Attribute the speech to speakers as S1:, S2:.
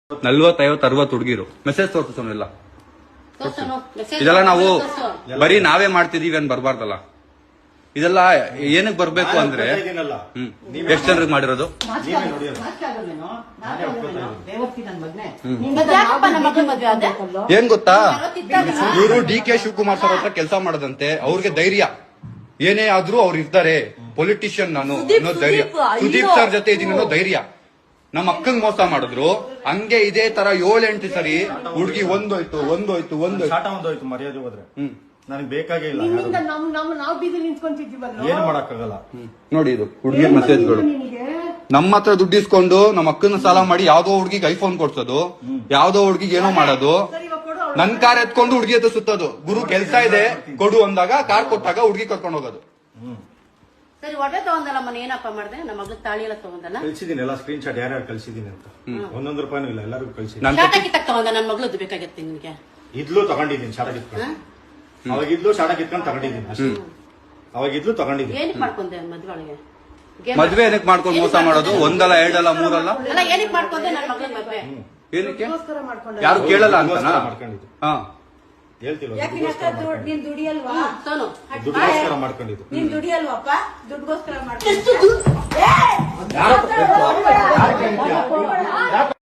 S1: 40-50-60 ಹುಡುಗಿರು ಮೆಸೇಜ್ ತೋರಿಸೋನಿಲ್ಲ. ಇದೆಲ್ಲ ನಾವು ಬರೀ ನಾವೇ ಮಾಡ್ತಿದೀವಿ ಅಂತ ಬರ್ಬಾರ್ದಲ್ಲ. ಇದೆಲ್ಲ ಏನಕ್ಕೆ ಬರ್ಬೇಕು ಅಂದ್ರೆ ಎಷ್ಟು ಜನರಿಗೆ ಮಾಡಿರೋದು? ಏನ್ ಗೊತ್ತಾ, ಇವರು DK ಶಿವಕುಮಾರ್ ಸರ್ ಹತ್ರ ಕೆಲಸ ಮಾಡದಂತೆ. ಅವ್ರಿಗೆ ಧೈರ್ಯ ಏನೇ ಆದ್ರೂ ಅವ್ರು ಇರ್ತಾರೆ, ಪೊಲಿಟಿಷಿಯನ್ ನಾನು ಅನ್ನೋ ಧೈರ್ಯ. ಸುದೀಪ್ ಸರ್ ಜೊತೆ ಇದೀನಿ ಅನ್ನೋ ಧೈರ್ಯ. ನಮ್ಮ ಅಕ್ಕಂಗ್ ಮೋಸ ಮಾಡಿದ್ರು, ಹಂಗೆ ಇದೇ ತರ 7-8 ಸರಿ ಹುಡುಗಿ ಒಂದೋಯ್ತು
S2: ಮರ್ಯಾದೆ ಹೋದ್ರೆ ನನಗೆ ಬೇಕಾಗೇ ಇಲ್ಲ. ಏನು ಮಾಡಕ್ಕಾಗಲ್ಲ.
S1: ನೋಡಿ ಇದು ಹುಡುಗಿ ಮೆಸೇಜ್ಗಳು. ನಮ್ಮ ಹತ್ರ ದುಡ್ಡು ಇಸ್ಕೊಂಡು ನಮ್ಮ ಅಕ್ಕನ ಸಾಲ ಮಾಡಿ ಯಾವ್ದೋ ಹುಡುಗಿಗೆ ಐಫೋನ್ ಕೊಡ್ಸೋದು, ಯಾವ್ದೋ ಹುಡುಗಿಗೆ ಏನೋ ಮಾಡೋದು, ನನ್ ಕಾರ್ ಎತ್ಕೊಂಡು ಹುಡುಗಿ ಹತ್ರ ಸುತ್ತೋದು. ಗುರು ಕೆಲ್ಸ ಇದೆ ಕೊಡು ಅಂದಾಗ ಕಾರ್ ಕೊಟ್ಟಾಗ ಹುಡುಗಿ ಕರ್ಕೊಂಡು ಹೋಗೋದು.
S3: ಸರಿ, ಒಡೆ ತಗೊಂಡಲ್ಲ ಮನೆ ಏನಪ್ಪ ಮಾಡಿದೆ? ನಮ್ಮ ಮಗಳು ತಾಳಿ ಎಲ್ಲ ತಗೊಂಡಲ್ಲ,
S2: ಕಳ್ಸಿದೀನಿ ಎಲ್ಲ ಸ್ಕ್ರೀನ್ ಶಾಟ್ ಯಾರ್ಯಾರು ಕಳ್ಸಿದೀನಿ ಅಂತ. 1 ರೂಪಾಯಿನೂ ಇಲ್ಲ, ಎಲ್ಲರಿಗೂ ಕಳ್ಸಿದ್ದೀನಿ.
S3: ಶಾಟ ಕಿತ್ತಕ್ ತಗೊಂಡ ನನ್ನ ಮಗಳದ್ದು ಬೇಕಾಗಿತ್ತು ನಿನ್ಗೆ.
S2: ಇದ್ಲು ತಗೊಂಡಿದ್ದೀನಿ, ಶಾಟ ಕಿತ್ಕೊಂಡು. ಅವಾಗಿದ್ಲು ಶಾಟ ಕಿತ್ಕೊಂಡು ತಗೊಂಡಿದ್ದೀನಿ ಅಷ್ಟೇ. ಅವಾಗಿದ್ಲು ತಗೊಂಡಿದ್ದೀನಿ.
S3: ಏನಕ್ಕೆ ಮಾಡ್ಕೊಂಡೆ ಮದ್ವೆ ಒಳಗೆ?
S1: ಮದ್ವೆ ಏನಕ್ಕೆ ಮಾಡ್ಕೊಂಡು ಮೋಸ ಮಾಡೋದು? 1 ಅಲ್ಲ 2 ಅಲ್ಲ 3 ಅಲ್ಲ.
S3: ಅಲ್ಲ, ಏನಕ್ಕೆ ಮಾಡ್ಕೊಂಡೆ ನನ್ನ ಮಗಳ ಮದ್ವೆ?
S1: ಏನಕ್ಕೆ ಯಾರು ಕೇಳಲ್ಲ ಅಂತ
S2: ಮಾಡ್ಕೊಂಡಿದ್ದು.
S1: ಹಾ
S2: ಹೇಳ್ತಿಲ್ವಾ,
S4: ನೀನ್ ದುಡಿಯಲ್ವಾ?
S2: ದುಡ್ಡುಗೋಸ್ಕರ ಮಾಡ್ಕೊಂಡಿದ್ದು.
S4: ನೀನ್ ದುಡಿಯಲ್ವಪ್ಪ? ದುಡ್ಡುಗೋಸ್ಕರ ಮಾಡ್ಕೊಂಡು